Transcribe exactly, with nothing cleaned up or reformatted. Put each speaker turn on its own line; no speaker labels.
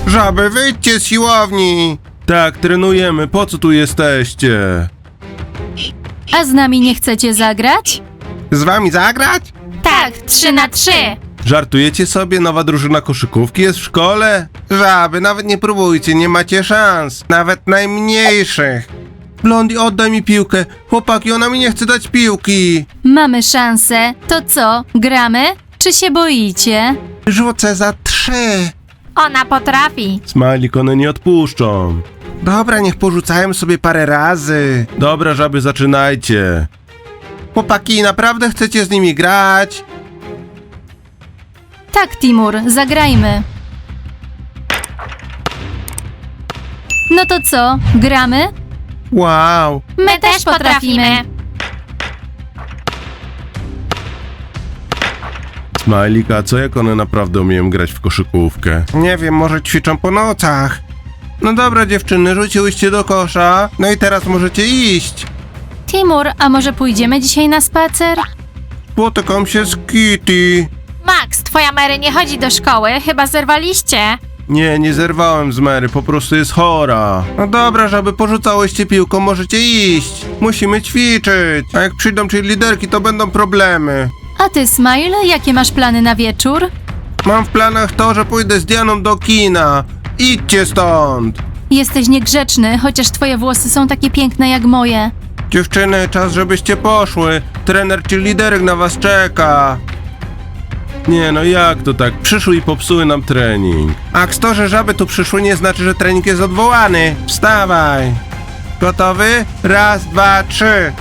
Żaby, wyjdźcie z siłowni! Tak, trenujemy, po co tu jesteście?
A z nami nie chcecie zagrać?
Z wami zagrać?
Tak, trzy na trzy.
Żartujecie sobie? Nowa drużyna koszykówki jest w szkole? Żaby, nawet nie próbujcie, nie macie szans. Nawet najmniejszych. Blondie, oddaj mi piłkę. Chłopaki, ona mi nie chce dać piłki.
Mamy szansę. To co, gramy? Czy się boicie?
Rzucę za trzy.
Ona potrafi.
Smajlik, one nie odpuszczą. Dobra, niech porzucają sobie parę razy. Dobra, żaby, zaczynajcie. Chłopaki, naprawdę chcecie z nimi grać?
Tak, Timur, zagrajmy. No to co, gramy?
Wow.
My też potrafimy.
Smajlik, a co jak one naprawdę umieją grać w koszykówkę? Nie wiem, może ćwiczą po nocach. No dobra, dziewczyny, rzuciłyście do kosza. No i teraz możecie iść.
Timur, a może pójdziemy dzisiaj na spacer?
Spotykam się z Kitty.
Max, twoja Mary nie chodzi do szkoły, chyba zerwaliście.
Nie, nie zerwałem z Mary, po prostu jest chora. No dobra, żeby porzucałyście piłką, możecie iść. Musimy ćwiczyć. A jak przyjdą liderki, to będą problemy.
A ty, Smile, jakie masz plany na wieczór?
Mam w planach to, że pójdę z Dianą do kina. Idźcie stąd.
Jesteś niegrzeczny, chociaż twoje włosy są takie piękne jak moje.
Dziewczyny, czas żebyście poszły. Trener czy liderek na was czeka. Nie no, jak to tak? Przyszły i popsuły nam trening. A to, że żaby tu przyszły, nie znaczy, że trening jest odwołany. Wstawaj. Gotowy? Raz, dwa, trzy.